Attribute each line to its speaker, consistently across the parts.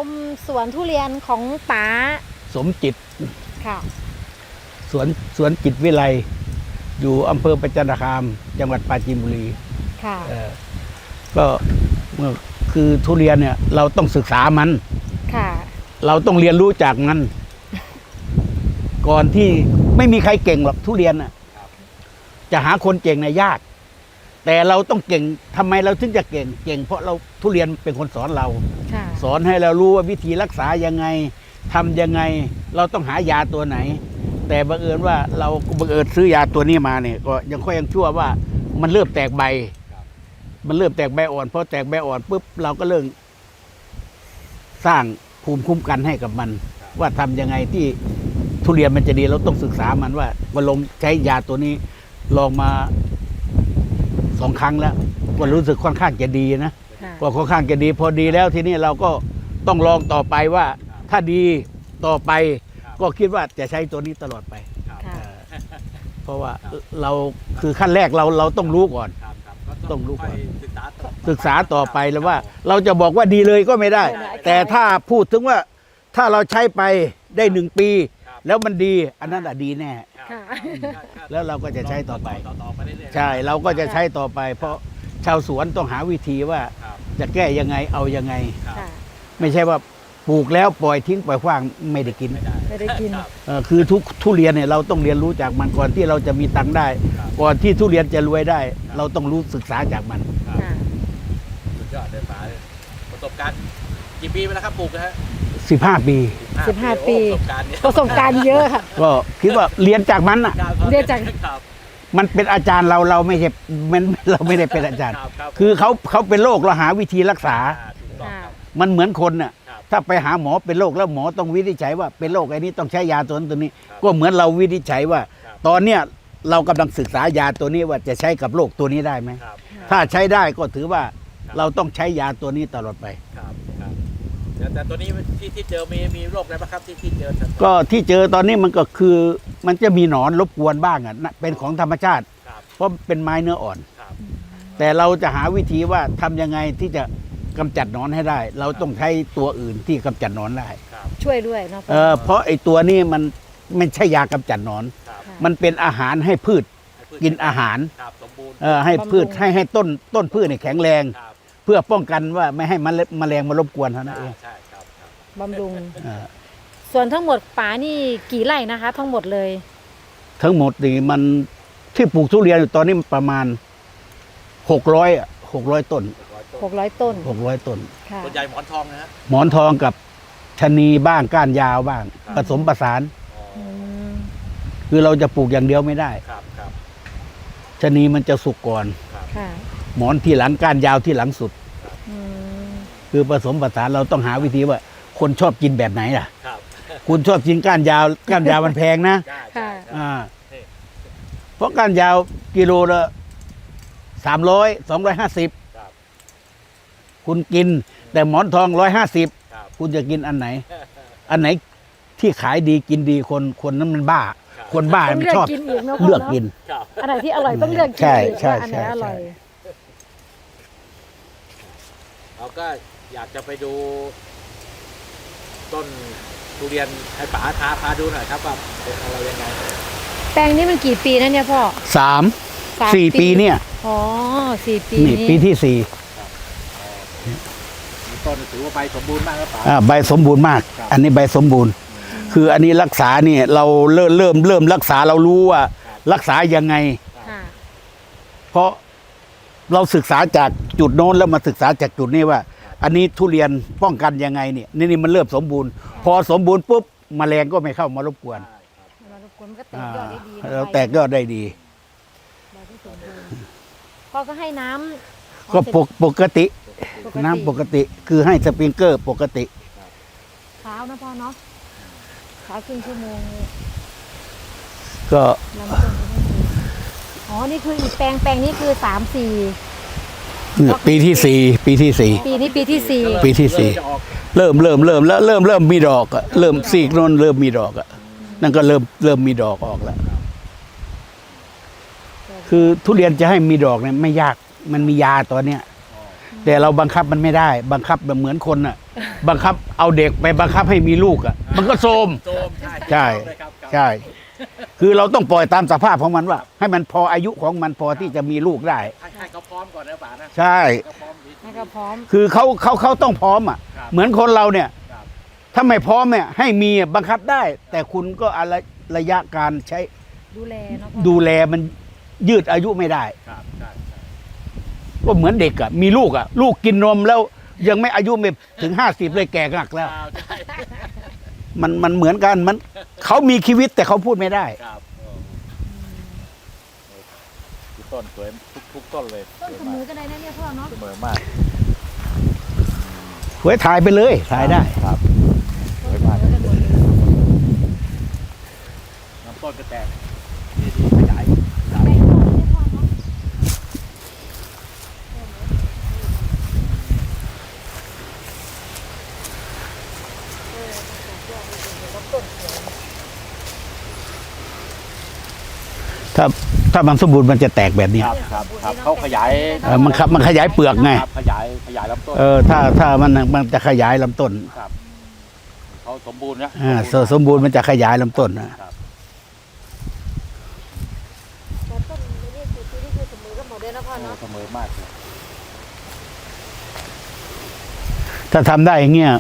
Speaker 1: มสวนทุเรียนของป๋า
Speaker 2: สมจิต
Speaker 1: ค่ะ
Speaker 2: สวนจิตวิไลอยู่อำเภอประจันตคามจังหวัดปราจีนบุรี
Speaker 1: ค่ะ
Speaker 2: ก็คือทุเรียนเนี่ยเราต้องศึกษามัน
Speaker 1: ค่ะ
Speaker 2: เราต้องเรียนรู้จากมันก่อนที่ไม่มีใครเก่งหรอกทุเรียนน่ะจะหาคนเก่งในยากแต่เราต้องเก่งทำไมเราถึงจะเก่งเพราะเราทุเรียนเป็นคนสอนเราสอนให้เรารู้ว่าวิธีรักษายังไงทำยังไงเราต้องหายาตัวไหนแต่บังเอิญว่าเราบังเอิญซื้อยาตัวนี้มาเนี่ยก็ยังชั่วว่ามันเริ่มแตกใบมันเริ่มแตกใบอ่อนพอแตกใบอ่อนปุ๊บเราก็เริ่มสร้างภูมิคุ้มกันให้กับมันว่าทำยังไงที่ทุเรียนมันจะดีเราต้องศึกษามันว่าลงใช้ยาตัวนี้ลองมา2 ครั้งแล้วก็รู้สึกค่อนข้างจะดีนะก็ค่อนข้างจะดีพอดีแล้วทีนี้เราก็ต้องลองต่อไปว่าถ้าดีต่อไปก็คิดว่าจะใช้ตัวนี้ตลอดไปเพราะว่าเราคือขั้นแรกเราต้องรู้ก่อนต้องรู้ก่อนศึกษาต่อไปแล้วว่าเราจะบอกว่าดีเลยก็ไม่ได้แต่ถ้าพูดถึงว่าถ้าเราใช้ไปได้1 ปีแล้วมันดีอันนั้นดีแน่แล้วเราก็จะใช้ต่อไปใช่เราก็จะใช้ต่อไปเพราะชาวสวนต้องหาวิธีว่าจะแก้ยังไงเอายังไงไม่ใช่ว่าปลูกแล้วปล่อยทิ้งปล่อยขว้างไม่ได้กินคือทุเรียนเนี่ยเราต้องเรียนรู้จากมันก่อนที่เราจะมีตังค์ได้ก่อนที่ทุเรียนจะรวยได้เราต้องรู้ศึกษาจากมัน
Speaker 3: สุดยอดเลยป๋าประสบการณ์กี่ปีไปแล้วครับปลูกนะฮะ
Speaker 2: 15 ปี
Speaker 1: 15 ปีประสบการณ์เยอะค่ะ
Speaker 2: ก็คิดว่าเรียนจากมันอ่ะ
Speaker 1: เรียนจาก
Speaker 2: มันเป็นอาจารย์เราไม่ใช่เราไม่ได้เป็นอาจารย์คือเขาเป็นโรคเราหาวิธีรักษามันเหมือนคนน่ะถ้าไปหาหมอเป็นโรคแล้วหมอต้องวินิจฉัยว่าเป็นโรคไอ้นี้ต้องใช้ยาตัวนั้นตัวนี้ก็เหมือนเราวินิจฉัยว่าตอนเนี้ยเรากำลังศึกษายาตัวนี้ว่าจะใช้กับโรคตัวนี้ได้ไหมถ้าใช้ได้ก็ถือว่าเราต้องใช้ยาตัวนี้ตลอดไป
Speaker 3: แต่ตัวนี้ที่เจอมีโรคอะไรบ้างครับที่เจอ
Speaker 2: ก็ที่เจอตอนนี้มันก็คือมันจะมีหนอนรบกวนบ้างอ่ะเป็นของธรรมชาติเพราะเป็นไม้เนื้ออ่อนแต่เราจะหาวิธีว่าทำยังไงที่จะกำจัดหนอนให้ได้เราต้องใช้ตัวอื่นที่กำจัดหนอนได้
Speaker 1: ช่วยด้วยเนาะ
Speaker 2: เพราะไอ้ตัวนี้มันไม่ใช่ยากำจัดหนอนมันเป็นอาหารให้พืชกินอาหารให้พืชให้ต้นพืชเนี่ยแข็งแรงเพื่อป้องกันว่าไม่ให้แมลงมารบกวนเท่านั้นเอง
Speaker 1: บำรุงส่วนทั้งหมดป๋านี่กี่ไร่นะคะทั้งหมดเลย
Speaker 2: ทั้งหมดนี่มันที่ปลูกทุเรียนอยู่ตอนนี้ประมาณ600 ต้น
Speaker 1: 600 ต้น
Speaker 3: ส่วนใหญ่หมอนทองนะฮะ
Speaker 2: หมอนทองกับชะนีบ้างก้านยาวบ้างผสมประสานคือเราจะปลูกอย่างเดียวไม่ได้ชะนีมันจะสุกก่อนหมอนที่หลังก้านยาวที่หลังสุดคือผสมผสานเราต้องหาวิธีว่าคนชอบกินแบบไหนล่ะคุณชอบกินก้านยาวมันแพงนะเพราะก้านยาวกิโลละ250คุณกินแต่หมอนทอง150คุณจะกินอันไหนที่ขายดีกินดีคนนั้นมันบ้าคนบ้ามันชอบเลือกกิน
Speaker 1: อันไหนที่อร่อยต้องเลือกกิน
Speaker 2: ใช่
Speaker 1: อันไหนอร่อย
Speaker 3: เราก็อยากจะไปดูต้นทุเรียนให้ป๋าพาดูหน่อยครับว่าเป็นอะไรยังไง
Speaker 1: แปลงนี้มันกี่ปีนะเนี่ยพ่อ
Speaker 2: 4 ปีเนี่ย
Speaker 1: อ๋อ4 ปี
Speaker 2: นี่ปีที่4
Speaker 3: ต้นถือว่าใบสมบูรณ์มากครับป๋า
Speaker 2: ใบสมบูรณ์มากอันนี้ใบสมบูรณ์คืออันนี้รักษาเนี่ยเราเริ่มรักษาเรารู้ว่ารักษายังไงเพราะเราศึกษาจากจุดโน้นแล้วมาศึกษาจากจุดนี้ว่าอันนี้ทุเรียนป้องกันยังไงเนี่ยนี่มันเริ่มสมบูรณ์พอสมบูรณ์ปุ๊บแมลงก็ไม่เข้ามารบกวนเราแตกยอดได้ดี
Speaker 1: พอก็ให้น้ำ
Speaker 2: ก็ปกติน้ำปกติคือให้สปริงเกอร์ปกติ
Speaker 1: เช้านะพ่อเนาะเช้าครึ่งชั่วโมง
Speaker 2: ก็
Speaker 1: อ๋อนี่คืออีกแปลงนี้คือ3-4
Speaker 2: ปีที่4ปีที่4
Speaker 1: ปีนี้ปีที่
Speaker 2: 4เริ่มแล้วเริ่มมีดอกอะเริ่มซีกโน้นเริ่มมีดอกอะนั่นก็เริ่มมีดอกออกแล้วคือทุเรียนจะให้มีดอกเนี่ยไม่ยากมันมียาตัวเนี้ยแต่เราบังคับมันไม่ได้บังคับแบบเหมือนคนอะบังคับเอาเด็กไปบังคับให้มีลูกอ่ะ มันก็โทรม
Speaker 3: โจมใช่
Speaker 2: ใช่
Speaker 3: เลยครับครับ
Speaker 2: ใช่ คือเราต้องปล่อยตามสภาพของมันว่า ให้มันพออายุของมันพอที่จะมีลูกได้
Speaker 3: ให้เขาพร้อมก่อนนะป๋านะ
Speaker 2: ใช่
Speaker 3: เขาพร้อมดี
Speaker 1: ให้เขาพร้อม
Speaker 2: คือเขาต้องพร้อมอ่ะ
Speaker 3: ครับ
Speaker 2: เหมือนคนเราเนี่ย
Speaker 3: ครับ
Speaker 2: ถ้าไม่พร้อมเนี่ยให้มีบังคับได้ แต่คุณก็อะไรระยะการใช้
Speaker 1: ดูแลเนาะพ่อ
Speaker 2: ดูแลมันยืดอายุไม่ได้
Speaker 3: ครับใช่ใช่
Speaker 2: ก็เหมือนเด็กอ่ะมีลูกอ่ะ ลูกกินนมแล้วยังไม่อายุไม่ถึง50เลยแก่กักแล้ว
Speaker 3: ครับใช่
Speaker 2: มันเหมือนกันมันเขามีชีวิตแต่เขาพูดไม่ได้
Speaker 3: ครับคือต้นสวยทุกต้นเลย
Speaker 1: ต้นเสมอกันได้นะเนี่ยพ่อเนาะ
Speaker 3: เสมอมาก
Speaker 2: ไว้ถ่ายไปเลยถ่ายได้
Speaker 3: ครับส
Speaker 1: ต้น
Speaker 3: วย
Speaker 1: เสม
Speaker 3: มาก
Speaker 1: อกันหมดเลย
Speaker 3: น้ำต้นก็แตกดีขยาย
Speaker 1: ไปข้างนอกเนี่ยพ่อเนาะ
Speaker 2: ถ้ามันสมบูรณ์มันจะแตกแบบนี้
Speaker 3: ครับครับครับเขาขยาย
Speaker 2: มันขยายเปลือกไง
Speaker 3: ครับขยายลำต้น
Speaker 2: ถ้ามันจะขยายลำต้น
Speaker 3: ครับเขาสมบูรณ์นะ
Speaker 2: สมบูรณ์มันจะขยายลำต้นนะครับ
Speaker 1: แต่ต้นนี่คือปีนี้คือเสมอกันหมดเลยนะพ่อเนาะ
Speaker 3: เสมอมากเลย
Speaker 2: ถ้าทำได้อย่างเงี้ย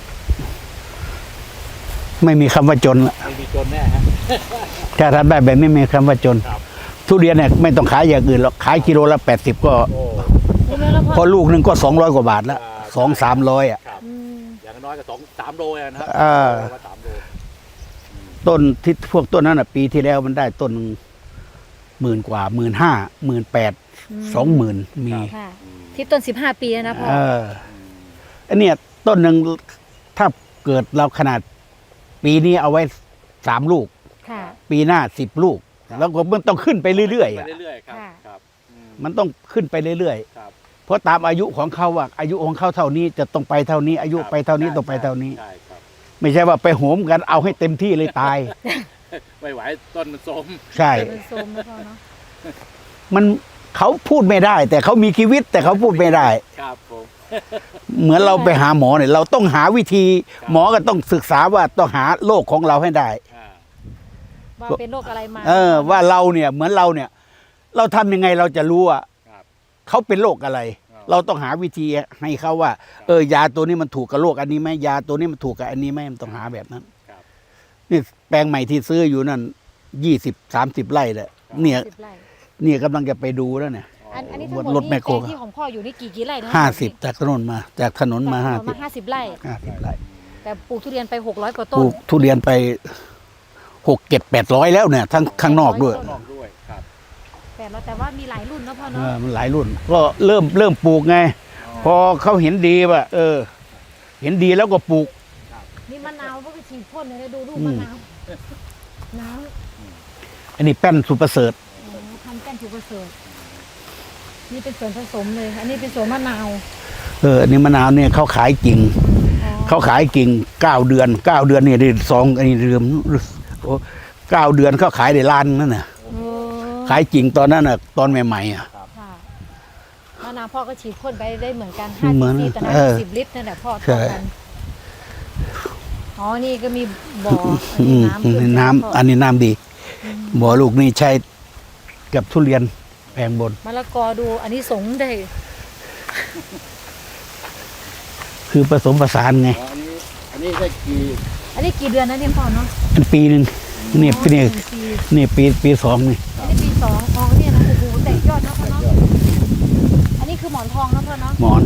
Speaker 2: ไม่มีคำว่าจนละ
Speaker 3: ไม่มีจนแน่ฮะ
Speaker 2: ถ้าทำได้แบบนี้ไม่มีคำว่าจน
Speaker 3: ครับ
Speaker 2: ทุเรียนเนี่ยไม่ต้องขายอย่างอื่นหรอกขายกิโลละ80ก็
Speaker 3: โอ้
Speaker 1: ดูเลยแล้วพ่อ
Speaker 2: พอลูกหนึ่งก็200กว่าบาทละ200-300อ่ะ
Speaker 3: ครับ
Speaker 1: อืม
Speaker 3: อย่างน้อยก็3 โลนะครั ว่า3 โล
Speaker 2: ต้นที่พวกต้นนั้นอ่ะ ปีที่แล้วมันได้ต้น10,000 กว่า15,000 18,000 20,000มี
Speaker 1: ค่ะ ที่ต้น15 ปีแล้วนะพ่อ
Speaker 2: อันเนี้ยต้นหนึ่งถ้าเกิดเราขนาดปีนี้เอาไว้3 ลูก
Speaker 1: ค่ะ
Speaker 2: ปีหน้า10 ลูก แล้วก็มันต้องขึ้นไปเรื่อยๆ
Speaker 3: ไป
Speaker 2: อ่ะ
Speaker 3: เรื่อยๆครับ
Speaker 1: ค่ะ
Speaker 3: ครับอืม
Speaker 2: มันต้องขึ้นไปเรื่อย
Speaker 3: ครับ
Speaker 2: ๆเพราะตามอายุของเขาว่าอายุของเขาเท่านี้จะต้องไปเท่านี้ อายุไปเท่านี้ต้องไปเท่านี้
Speaker 3: ใช่ครับ
Speaker 2: ไม่ใช่ว่าไปโหมกันเอาให้เต็มที่เลยตาย
Speaker 3: ไม่ไหวต้นมันโทรม
Speaker 2: ใช่
Speaker 1: เป็นโซมนะพ่อเนาะ
Speaker 2: มันเขาพูดไม่ได้ แต่เขามีชีวิตแต่เขาพูดไม่ได้
Speaker 3: ครับผม
Speaker 2: เหมือนเราไปหาหมอเนี่ยเราต้องหาวิธี หมอก็ต้องศึกษาว่าต้องหาโรคของเราให้ได้
Speaker 3: อ่า
Speaker 1: ว่าเป็นโรคอะไรมา
Speaker 2: ว่าเราเนี่ยเหมือนเราเนี่ย เราทำยังไงเราจะรู้ว่า
Speaker 3: ครับ
Speaker 2: เขาเป็นโรคอะไร
Speaker 3: อ๋อ
Speaker 2: เราต้องหาวิธีให้เขาว่า ยาตัวนี้มันถูกกับโรคอันนี้ไหมยาตัวนี้มันถูกกับอันนี้ไหมมันต้องหาแบบนั้น
Speaker 3: ครับ
Speaker 2: นี่แปลงใหม่ที่ซื้ออยู่นั่น20-30 ไร่แหละเนี่ย
Speaker 1: 10 ไร่
Speaker 2: เนี่ยกำลังจะไปดูแล้วเนี่ย
Speaker 1: อันนี้ทั้งหมด
Speaker 2: รถแม
Speaker 1: นี่
Speaker 2: คโคร
Speaker 1: แปลงที่ของพ่ออยู่นี่กี่ไร่นะ
Speaker 2: 50จากถนนมา จากถนนมา
Speaker 1: จากถนนมา50 ไร่
Speaker 2: 50ไร่
Speaker 1: แต่ปลูกทุเรียนไป600 กว่า
Speaker 2: ป
Speaker 1: ต้น
Speaker 2: ลูกทุเรียนไป600-700แล้วเนี่ยทั้งข้างนอกด้วย
Speaker 3: ข้างนอกด้วยครับ
Speaker 1: แต่ว่ามีหลายรุ่นนะพ่อเนาะ
Speaker 2: มันหลายรุ่น ก็เริ่มปลูกไง พอเขาเห็นดีว่าเห็นดีแล้วก็ปลูก
Speaker 1: นี่มะนาวพวกฉีดพ่นเลยดูลูกมะนาวน้ำ
Speaker 2: อันนี้แป้นสุประเสริฐ
Speaker 1: ทำแป้นถูกประเสริฐนี่เป็นส่วนผสมเลย อันนี้เป็นส่วนมะนาว
Speaker 2: อันนี้มะนาวเนี่ยเขาขายกิ่ง
Speaker 1: อ๋อ
Speaker 2: เขาขายกิ่ง9 เดือน9 เดือนเนี่ยได้2อันนี้เรืม9 เดือนเขาขายได้ล้านนั่นน่ะ
Speaker 1: เออ
Speaker 2: ขายกิ่งตอนนั้นน่ะตอนใหม่ๆอ่ะ
Speaker 1: ค่ะมะนาวพ่อก็ฉีดพ่นไปได้เหมือนกัน
Speaker 2: เหมือน
Speaker 1: 5 ซีซีต่อ
Speaker 2: เออ
Speaker 1: น้ำ10 ลิตรนั่นแหละพ่อ
Speaker 2: ใช่
Speaker 1: เท่ากันอ๋อนี่ก็มีบ่อ น้ำขึ้น
Speaker 2: น้ำ
Speaker 1: พ่
Speaker 2: อันนี้น้ำดีบ่อลูกนี่ใช้กับทุเรียนแปลงบน
Speaker 1: มะละกอดูอันนี้สงส์ได้
Speaker 2: คือผสมผสานไง
Speaker 3: อ๋ออันนี้ได้กี่
Speaker 1: อันนี้กี่เดือนนะเนี่ยพ่อเนาะ
Speaker 2: อันปีหนึ่งนี่
Speaker 1: อ๋อ
Speaker 2: นี่
Speaker 1: หนึ่งปี
Speaker 2: นี่ปี2นี่
Speaker 1: อันนี้ปี2อ๋อเนี่ยนะโอ้โหแตกยอดนะพ่อเนาะอันนี้คือหมอนทองนะพ่อเนาะ
Speaker 2: หมอน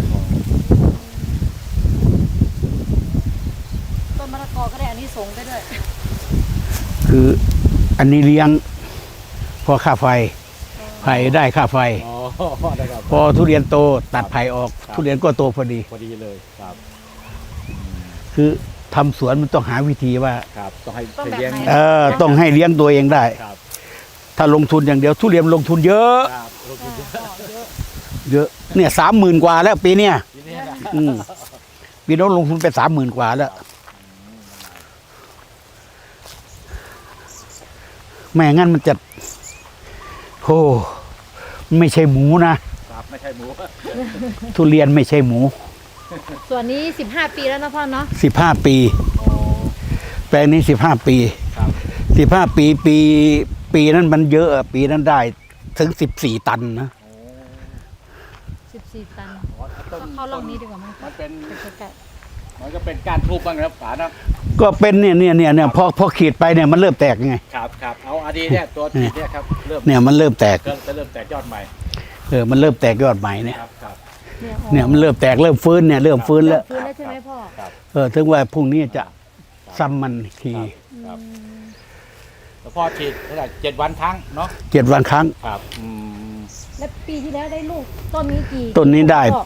Speaker 1: ต้นมะละกอก็ได้อันนี้สงส์ไปด้วย
Speaker 2: คืออันนี้เลี้ยงพอค่าไฟไผ่ได้ค่าไฟ
Speaker 3: อ๋อได้ครับ
Speaker 2: พอทุเรียนโตตัดไผ่ออก
Speaker 3: ครับ
Speaker 2: ทุเรียนก็โตพอดี
Speaker 3: พอดีเลยครับ
Speaker 2: คือทำสวนมันต้องหาวิธีว่า
Speaker 3: ครับต้องให้
Speaker 1: ต้องแบบ
Speaker 3: เลี้ยง
Speaker 1: ไหน
Speaker 2: ต้องให้เลี้ยงตัวเองได้
Speaker 3: ครับ
Speaker 2: ถ้าลงทุนอย่างเดียวทุเรียนลงทุนเยอะ
Speaker 3: ครับลงทุนเยอะ
Speaker 1: เยอะ
Speaker 2: เยอะเนี่ย30,000 กว่าแล้วปีเนี้ย
Speaker 3: ทีนี้นะ
Speaker 2: อืมปีโน้นลงทุนไป30,000 กว่าแล้วไม่งั้นมันจะโอ้ไม่ใช่หมูนะ
Speaker 3: ครับไม่ใช่หมู
Speaker 2: ทุเรียนไม่ใช่หมู
Speaker 1: คส่วนนี้15 ปีแล้วนะพ่อเนาะ
Speaker 2: 15 ปี
Speaker 1: โอ้
Speaker 2: แปลงนี้15 ปี
Speaker 3: ครับ
Speaker 2: 15 ปีนั้นมันเยอะอะปีนั้นได้ถึง14 ตันนะ
Speaker 3: โอ้
Speaker 1: 14 ตัน
Speaker 3: ต้น
Speaker 1: เข้าร่องนี้ดีกว่ามั้ง
Speaker 3: มันเป็น
Speaker 1: ใกล้
Speaker 3: มันก็เป็นก้านทูบบ้างนะครับป๋านะ
Speaker 2: ก็เป็นเนี่ยพอขีดไปเนี่ยมันเริ่มแตกไง
Speaker 3: ครับครับเอาอดีเนี่ยตัวขีดเนี่ยครับเริ่ม
Speaker 2: เนี่ยมันเริ่มแตก
Speaker 3: เริ่มแตกยอดใหม่
Speaker 2: มันเริ่มแตกยอดใหม่เนี่ย
Speaker 3: ครับครับ
Speaker 1: ๆอ๋อ
Speaker 2: เนี่ยมันเริ่มแตกเริ่มฟื้นเนี่ยเริ่มฟื้นแล้ว
Speaker 1: ฟื้นแล้วใช่ไหมพ่อ
Speaker 3: ครับ
Speaker 2: ถึงว่าพรุ่งนี้จะซ้ำมันอีกที
Speaker 3: ครับ
Speaker 1: อืม
Speaker 3: แล้วพ่อฉีดเท่าไหร่7 วันครั้งเนาะ
Speaker 2: 7 วันครั้ง
Speaker 3: ครับ
Speaker 1: แล้วปีที่แล้วได้ลูกต้นนี้กี่
Speaker 2: ต้นนี้ได้
Speaker 1: พ่อ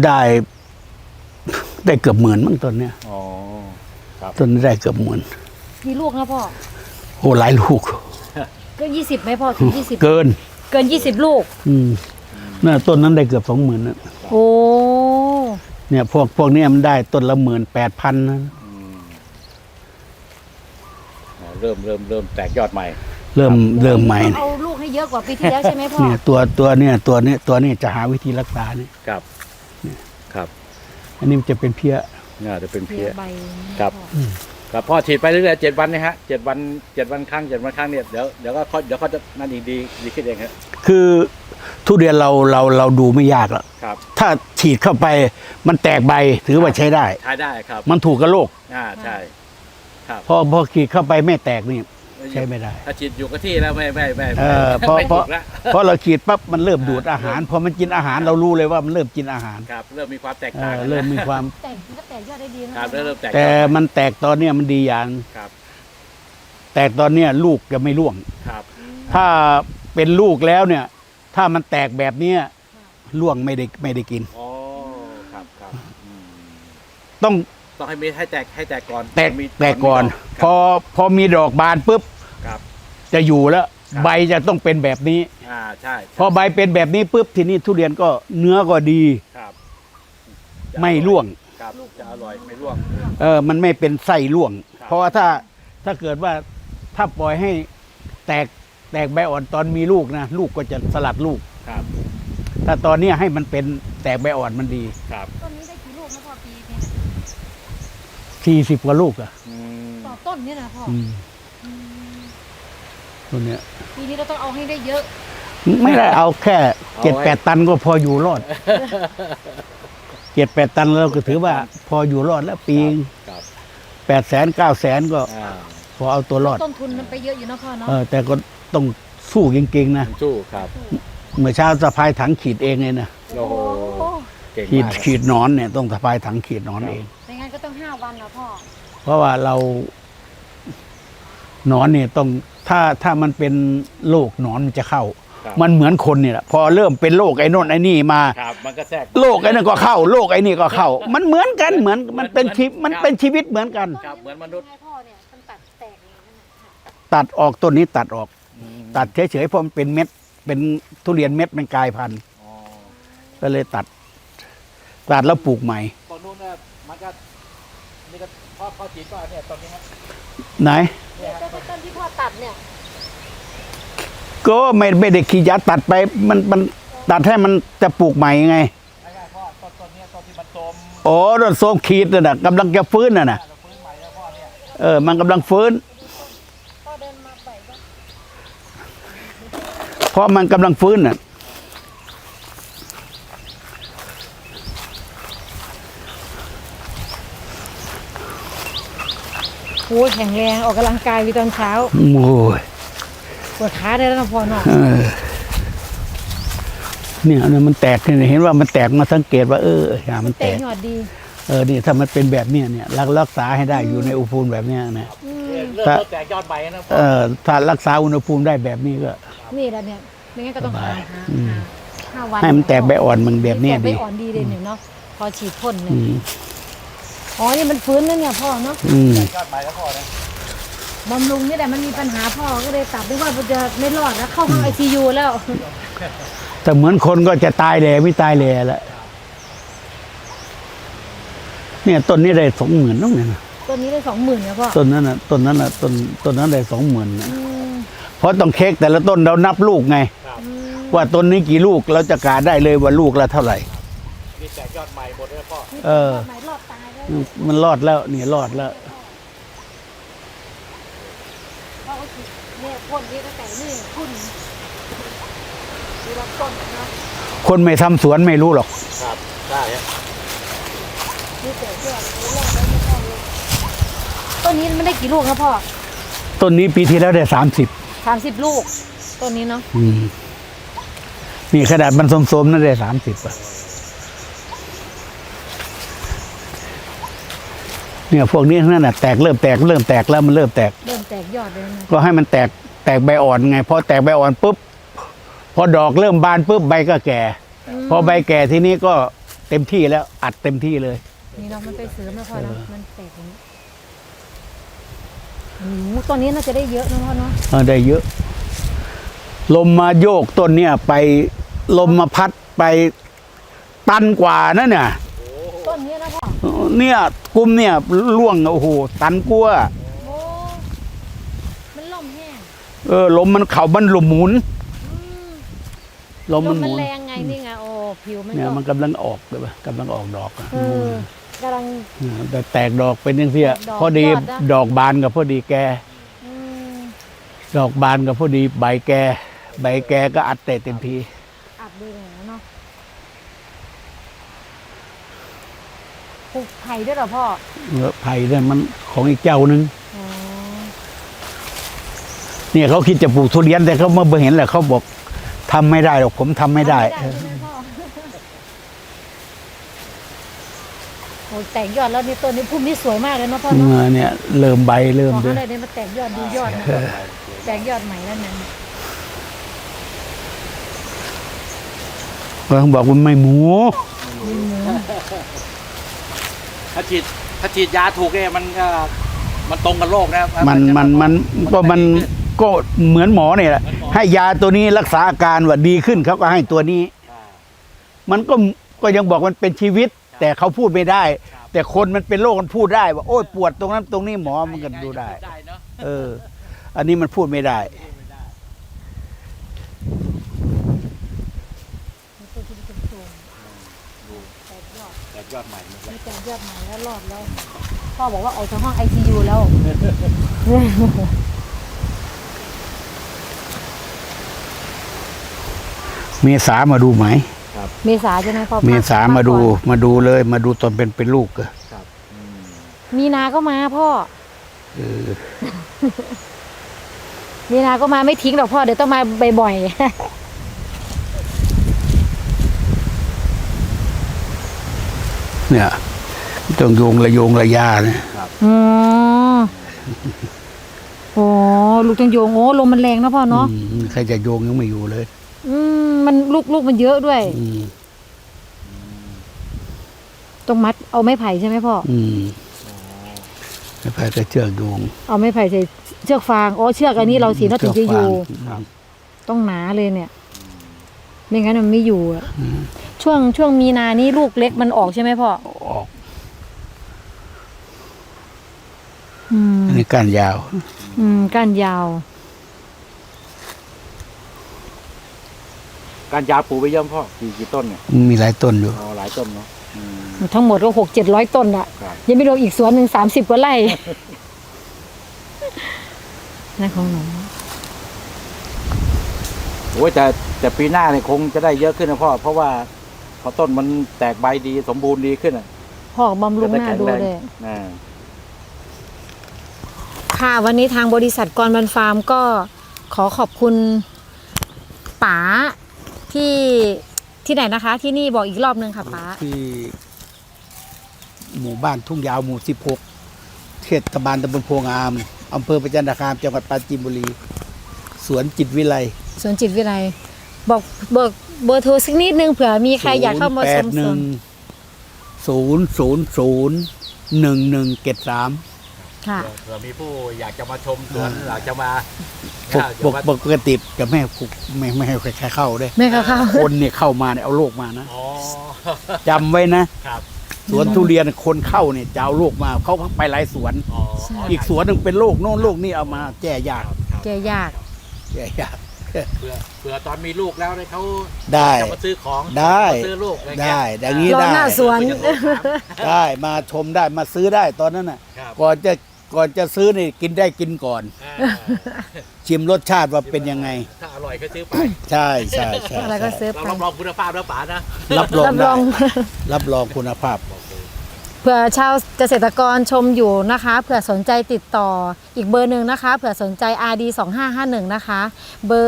Speaker 2: ได้เกือบ10,000มั้งต้นเนี้ย
Speaker 3: อ๋อครับ
Speaker 2: ต้นนี้ได้เกือบ10,000
Speaker 1: กี่ลูกนะพ่อ
Speaker 2: โอ้หลายลูก
Speaker 1: ก็20ไหมพ่อถึง20
Speaker 2: เกิน
Speaker 1: เกิน20 ลูก
Speaker 2: น่ะต้นนั้นได้เกือบ20,000นะ
Speaker 1: โอ้
Speaker 2: เนี่ยพวกเนี้ยมันได้ต้นละ18,000นะ
Speaker 3: เริ่มแตกยอดใหม่
Speaker 2: เริ่มใหม่
Speaker 1: ต้องเอาลูกให้เยอะกว่าปีที่แล้วใช่ไหมพ่อ
Speaker 2: เนี่ยตัวนี้จะหาวิธีรักษาเนี่ย
Speaker 3: ครับครับ
Speaker 2: อันนี้มันจะเป็นเพี้ย
Speaker 3: น่าจะเป็น
Speaker 1: เพี
Speaker 3: เพี้
Speaker 1: ย
Speaker 3: ย
Speaker 1: ใบ
Speaker 3: ครับ ครับพ่อฉีดไปเรื่อยๆ7 วันนะฮะ7 วันครั้ง7 วันครั้งเนี่ยเดี๋ยวเขาจะนั่นอีกดีขึ้นเองครับ
Speaker 2: คือทุเรียนเราดูไม่ยากหรอก
Speaker 3: ครับ
Speaker 2: ถ้าฉีดเข้าไปมันแตกใบถือว่าใช้ได้
Speaker 3: ใช้ได้ครับ
Speaker 2: มันถูกกับโรค
Speaker 3: ใช่ครับ
Speaker 2: พอฉีดเข้าไปไม่แตกนี่ใช้ไม่ได้
Speaker 3: ถ้าฉีดอยู่กับที่แล้วไม่
Speaker 2: เพราะ
Speaker 3: ไม่ถูกละ
Speaker 2: เพราะเราฉีดปั๊บมันเริ่มดูดอาหารพอมันกินอาหารเรารู้เลยว่ามันเริ่มกินอาหาร
Speaker 3: ครับเริ่มมีความแตกต่าง
Speaker 2: เริ่มมีความ
Speaker 1: แต่ก็แตกยอดได้ดีนะครับ
Speaker 3: เริ่มแตก
Speaker 2: แต่มันแตกตอนเนี้ยมันดีอย่าง
Speaker 3: ครับ
Speaker 2: แตกตอนเนี้ยลูกจะไม่ร่วง
Speaker 3: ครับ
Speaker 2: ถ้าเป็นลูกแล้วเนี่ย ถ้ามันแตกแบบเนี้ยร่วงไม่ได้กิน
Speaker 3: อ๋อครับ
Speaker 2: ต้อง
Speaker 3: ต้องให้แตกก่อน
Speaker 2: แตกก่อน พอมีดอกบานปุ๊บ
Speaker 3: ครับ
Speaker 2: จะอยู่แล้ว
Speaker 3: ครับ
Speaker 2: ใบจะต้องเป็นแบบนี้
Speaker 3: ใช่
Speaker 2: พอใบเป็นแบบนี้ปุ๊บทีนี้ทุเรียนก็เนื้อก็ดี
Speaker 3: ครับ
Speaker 2: ไม่ร่วง
Speaker 3: ครับจะอร่อยไม่ร่วง
Speaker 2: มันไม่เป็นไส้ร่วง
Speaker 3: ครับ
Speaker 2: เพราะว่าถ้าเกิดว่าถ้าปล่อยให้แตกใบอ่อนตอนมีลูกนะลูกก็จะสลัดลูก
Speaker 3: ครับ
Speaker 2: ถ้าตอนเนี้ยให้มันเป็นแตกใบอ่อนมันดี
Speaker 3: ครับ
Speaker 1: ต้นนี้ได้กี่ลูกนะพ่อปีนี้
Speaker 2: 40 กว่าลูกอ่ะ
Speaker 1: ต่อต้นเนี่ยนะพ่อ
Speaker 2: อืม
Speaker 1: อืม
Speaker 2: ตัวเนี้ย
Speaker 1: ปีนี้เราต้องเอาให้ได้เยอะ
Speaker 2: ไม่ได้เอาแค่
Speaker 3: เอาไว้
Speaker 2: 7-8 ตันก็พออยู่รอด 7-8 ตันเราก็ถือว่าพออยู่รอดแล้วปี
Speaker 3: ครับ
Speaker 2: 800,000-900,000ก็พอเอาตัวรอด
Speaker 1: ต้นทุนมันไปเยอะอยู่เนาะพ่อเนาะ
Speaker 2: แต่ก็ต้องสู้จริงๆนะ
Speaker 3: สู้ครับ
Speaker 2: เมื่อเช้าสะพายถังขีดเองเลยนะ
Speaker 3: โอ้โหเก่ง
Speaker 2: ขีด
Speaker 3: มาก
Speaker 2: ขีดหนอนเนี่ยต้องสะพายถังขีดหนอนเอง
Speaker 1: ไม่งั้นก็ต้อง5 วันนะพ่อ
Speaker 2: เพราะว่าเราหนอนเนี่ยต้องถ้ามันเป็นโรคหนอนมันจะเข้า
Speaker 3: ครับ
Speaker 2: มันเหมือนคนเนี่ยแหละพอเริ่มเป็นโรคไอ้โน่นไอ้นี่มา
Speaker 3: ครับมันก็แทรก
Speaker 2: โรคไอ้นั่นก็เข้าโรคไอ้นี่ก็เข้า มันเหมือนกันมันเป็นชีวิตเหมือนกัน
Speaker 3: ครับเหมือนมนุษย์
Speaker 1: ให้พ่อเนี่ยมันตัดแตกอย่างนั้นนะ
Speaker 2: ตัดออกต้นนี้ตัดออก ตัดเฉยๆเพราะมันเป็นเม็ดเป็นทุเรียนเม็ดมันกลายพันธุ์
Speaker 3: อ๋อ
Speaker 2: ก็เลยตัดแล้วปลูกใหม่
Speaker 3: ตอนนู้นน่ะมันก็นี่ก็พ่อจีนก็เนี่ยตอนนี้ฮะ
Speaker 2: ไหน
Speaker 1: เนี่ยต้นที่พ่อตัดเนี่ย
Speaker 2: ก็ไม่ได้ขี้ยัดตัดไปมันตัดให้มันจะปลูกใหม่ไง
Speaker 3: ไม่ใช่พ่อต้นเนี้ยต้นที่มันโทรม
Speaker 2: โอ้ต้นโซมขีดน่ะกำลังจะฟื้นน่ะนะ
Speaker 3: เราฟื้นใหม่แล้วพ่อเนี่ย
Speaker 2: มันกำลังฟื้น
Speaker 1: พ่อเดินมาใส่บ้าง
Speaker 2: เพราะมันกำลังฟื้นน่ะ
Speaker 1: โอ้ยแข็งแรงออกกำลังกายวีตอนเช้า
Speaker 2: โอ้ย
Speaker 1: ปวดขาได้แล้วนะพ่อเนาะ
Speaker 2: เนี่ยมันแตกเนี่ยเห็นว่ามันแตกมาสังเกตว่าอย่ามัน
Speaker 1: เตะ
Speaker 2: แตก
Speaker 1: หยอดดี
Speaker 2: นี่ถ้ามันเป็นแบบเนี้ยเนี่ยรักษาให้ได้อยู่ในอุณหภูมิแบบเนี้ยนะ
Speaker 1: อืม
Speaker 3: เริ่มแตกยอดใบนะพ่อ
Speaker 2: ถ้ารักษาอุณหภูมิได้แบบนี้ก็
Speaker 1: นี่แหละเนี่ยไม่งั้นก็ต้องหา
Speaker 2: อืม
Speaker 1: 5 วัน
Speaker 2: ให้มันแตกใบอ่อนมันแบบเนี้ย
Speaker 1: แตกใบ
Speaker 2: ดี
Speaker 1: อ่อนดีเลยเนี่ยเนาะพอฉีดพ่นเนี่
Speaker 2: อื
Speaker 1: ย
Speaker 2: ม
Speaker 1: อ๋อนี่มันฟื้นแล้วเนี่ยพ่อเนาะ
Speaker 2: อืม
Speaker 3: ยอดใบแล้วพ่อเนี่ย
Speaker 1: บำรุงนี่แหละมันมีปัญหาพ่อก็เลยตัดไม่ว่าจะไม่รอดแล้วเข้าห้องICU แล้ว
Speaker 2: แต่เหมือนคนก็จะตายแหล่ไม่ตายแหล่แล้วเนี่ยต้นนี้ได้20,000น้องเนี่ยนะ
Speaker 1: ต้นนี้ได้20,000เนี่ยพ่อ
Speaker 2: ต้นนั้นต้นนั้นได้20,000นะ
Speaker 1: อืม
Speaker 2: เพราะต้องเค้กแต่ละต้นเรานับลูกไง
Speaker 1: อืม
Speaker 2: ว่าต้นนี้กี่ลูกเราจะกาได้เลยว่าลูกละเท่าไหร่
Speaker 3: นนี่แตกยอดใหม่หมดเลยพ่อ
Speaker 1: นี่
Speaker 2: เออ
Speaker 1: ต้นไม้รอดตายแล้ว
Speaker 2: มันรอดแล้วเนี่ยรอดแล้ว
Speaker 1: เพราะว่าเนี่ยพ่นนี่ตั้งแต่นี่คุณดูรับต้นนะ
Speaker 2: คนไม่ทำสวนไม่รู้หรอก
Speaker 3: ครับได้ฮะ
Speaker 1: นี่แต่เพื่อนรู้แล้วไม่ต้องเลยต้นนี้มันได้กี่ลูกนะพ่อ
Speaker 2: ต้นนี้ปีที่แล้วได้30
Speaker 1: 30 ลูกต้นนี้เนาะ
Speaker 2: นี่ขนาดมันสมๆนั่นได้30อ่ะเนี่ยพวกนี้นั่นน่ะเริ่มแตกแล้วมันเริ่มแตก
Speaker 1: เริ่มแตกยอดเลยนะ
Speaker 2: ก็ให้มันแตกใบอ่อนไงพอแตกใบอ่อนปุ๊บพอดอกเริ่มบานปุ๊บใบก็แก่ พอใบแก่ทีนี้ก็เต็มที่แล้วอัดเต็มที่เลย
Speaker 1: นี่เนาะมันไปเสริมแล้วพ่อเนาะมันแตกอย่างนี้โอ้โหต้นนี้น่าจะได้เยอะนะพ่อเนาะ
Speaker 2: ได้เยอะ ลมมาโยกต้นเนี่ยไปลมมาพัดไปตันกว่านั่นเนี่ย
Speaker 1: ต้นนี้นะพ่อ
Speaker 2: เนี่ยกลุ่มเนี่ยล่วงโอ้โหตันกลัว
Speaker 1: โอ้มันล่มแห้ง
Speaker 2: ลมมันเขามันหลุมหมุน
Speaker 1: อืม
Speaker 2: ลมมันห
Speaker 1: มัน
Speaker 2: มุน
Speaker 1: แรงไงนี่ไงโอ้ผิวมัน
Speaker 2: เนี่ย
Speaker 1: ก็
Speaker 2: มันกำลังออกเลยปะกำลังออกดอกอะ
Speaker 1: กำลัง
Speaker 2: แต่แตกดอกเป็นยังเสีย
Speaker 1: แตกดอก
Speaker 2: พอดี
Speaker 1: ยอดนะ
Speaker 2: ดอกบานกับพอดีแก
Speaker 1: อืม
Speaker 2: ดอกบานกับพอดีใบแกก็อัดเต็มที
Speaker 1: อัดดีเลยนะเนาะปลูกไผ่ด้วยเหรอพ่อ
Speaker 2: ไผ่เนี่ยมันของอีกเจ้านึง
Speaker 1: อ๋อ
Speaker 2: เนี่ยเขาคิดจะปลูกทุเรียนแต่เขาเมื่อเห็นแหละเขาบอกทำไม่ได้หรอกผมทำไม่ได้
Speaker 1: ใช่ไหมพ่อโอ้แตกยอดแล้วนี่ต้นนี้พุ่มนี่สวยมากเลยเนาะพ่อเนาะ
Speaker 2: เนี่ยเริ่มใบเริ่ม
Speaker 1: ขอ
Speaker 2: ด้ว
Speaker 1: ให้
Speaker 2: ย
Speaker 1: ได้เนี่ยมาแตกยอดดูยอดนะแตกยอดใหม่แล้วนะ
Speaker 2: เขาบอกว่าไม่หมู
Speaker 3: ถ้าฉีดยาถูกเนี่ยมันก็มันตรงกับโรคนะครับ
Speaker 2: มันก็เหมือนหมอเนี่ยแหละให้ยาตัวนี้รักษาอาการว่าดีขึ้นเขาก็ให้ตัวนี้ มันก็ยังบอกมันเป็นชีวิต แต่เขาพูดไม่ได้ แต่คนมันเป็นโรคมันพูดได้ว่าโอ้ยปวดตรงนั้นตรงนี้หมอมันก็ดูได้
Speaker 3: เนาะ
Speaker 2: อันนี้มันพูดไม่ได้
Speaker 1: ต้นที่เป็นโครงแตกยอด
Speaker 3: แตกยอดใหม่หมดเลย
Speaker 1: นี่แตกยอดใหม่แล้วรอดแล้วพ่อบอกว่าออกจากห้อง ICU แล้ว
Speaker 2: เมษามาดูไหม
Speaker 1: เมษาใช่ไหมพ่อ
Speaker 2: เมษามาดู
Speaker 1: ก่อน
Speaker 2: มาดูเลยมาดูตอนเป็นลูกอะ
Speaker 3: ครับอืม
Speaker 1: มีนาก็มาพ่อ
Speaker 2: เออ
Speaker 1: มีนาก็มาไม่ทิ้งหรอกพ่อเดี๋ยวต้องมาบ่อย
Speaker 2: เนี่ยต้องโยงระยาเนี่ย
Speaker 1: ๆอ๋อโอ้ลูกจังโยงโอ้ลมมันแรงนะพ่อเนาะ
Speaker 2: ใครจะโยงยังไม่อยู่เลย
Speaker 1: มันลูกมันเยอะด้วย
Speaker 2: อืม
Speaker 1: ต้องมัดเอาไม้ไผ่ใช่ไหมพ่อ
Speaker 2: แล้วไปก็เชือกโยง
Speaker 1: เอาไม้ไผ่ใส่เชือกฟางอ๋อเชือกอันนี้เราสีน่าถึงจะอยู่
Speaker 2: ครับ
Speaker 1: ต้องหนาเลยเนี่ย ไม่งั้นมันไม่อยู่อะช่วงมีนานี้ลูกเล็กมันออกใช่ไหมพ่อ
Speaker 2: ออก
Speaker 1: อืม
Speaker 2: อันนี้ก้านยาว
Speaker 1: ก้านยาว
Speaker 3: การยาปลูกไปเยี่ยมพ่อกี่ต้นเนี่ย
Speaker 2: มีหลายต้นอยู่
Speaker 3: หลายต้นเนาะอืม
Speaker 1: ทั้งหมดก็600-700 ต้นอะ
Speaker 3: ครับ
Speaker 1: ยังไม่รวมอีกสวนหนึ่ง30 กว่าไร่นั่นของหนู
Speaker 3: โอ้ยแต่ปีหน้าเนี่ยคงจะได้เยอะขึ้นนะพ่อเพราะว่าพอต้นมันแตกใบดีสมบูรณ์ดีขึ้นอ่ะ
Speaker 1: พ่อบำรุงหน้าดูเลย
Speaker 3: อ่า
Speaker 1: ค่ะวันนี้ทางบริษัทกรบันฟาร์มก็ขอขอบคุณป๋าที่ไหนนะคะ ที่นี่บอกอีกรอบนึงค่ะป๋า
Speaker 2: ที่หมู่บ้านทุ่งยาวหมู่16เทศบาลตำบลโพงามอำเภอประจันตคามจังหวัดปราจีนบุรี สวนจิตวิไล
Speaker 1: สวนจิตวิไลบอกเบอร์โทรสักนิดนึงเผื่อมีใครอยากเข้ามาชมสวน
Speaker 2: 081-000-1173
Speaker 1: ค่ะ
Speaker 3: เผื่อมีผู้อยากจะมาชมสวนอยากจะมา
Speaker 2: ปกติกับแม่ไม่ให้ใครเข้าด้วย
Speaker 1: แม่เข้า
Speaker 2: คนเนี่ยเข้ามาเนี่ยเอาโรคมานะ
Speaker 3: อ๋อ
Speaker 2: จำไว้นะ
Speaker 3: ครับ
Speaker 2: สวนทุเรียนคนเข้าเนี่ยจะเอาโรคมาเขาไปหลายสวน
Speaker 3: อ๋อ
Speaker 2: อีกสวนหนึ่งเป็นโรคโน่นโรคนี่เอามาแก้ยาก
Speaker 1: แกยาก
Speaker 2: แก้ยาก
Speaker 3: เผื่อตอนมีลูกแล้วเนี่ยเขา
Speaker 2: ได้
Speaker 3: จะมาซื้อของ
Speaker 2: ได้
Speaker 3: มาซื้อลูกอะไรเงี้
Speaker 2: ได้
Speaker 3: ย
Speaker 2: อย่างนี้
Speaker 1: รอ
Speaker 2: ได้
Speaker 1: หน้าสวน
Speaker 2: ได้มาชมได้มาซื้อได้ตอนนั้นน่ะ
Speaker 3: ครับ
Speaker 2: ก่อนจะซื้อนี่กินได้กินก่อน
Speaker 3: อ่า
Speaker 2: ชิมรสชาติว่าเป็นยังไง
Speaker 3: ถ้าอร่อยก็ซื้อไป
Speaker 2: ใช่ใช่ใช่
Speaker 1: อะไรก็ซื้อ
Speaker 3: เรา
Speaker 1: ไป
Speaker 3: รับรองคุณภาพแล้วป๋านะ
Speaker 2: รับรอง
Speaker 1: รับร
Speaker 2: ได้
Speaker 1: อง
Speaker 2: รับรองคุณภาพ
Speaker 1: เผื่อชาวเกษตรกรชมอยู่นะคะเผื่อสนใจติดต่ออีกเบอร์หนึ่งนะคะเผื่อสนใจ RD 2551นะคะเบอร์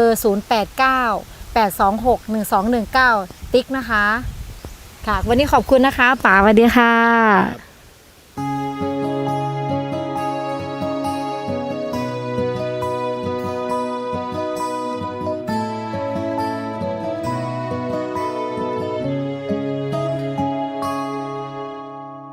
Speaker 1: 089 826 1219 ติ๊กนะคะค่ะวันนี้ขอบคุณนะคะป๋าสวัสดีค่ะ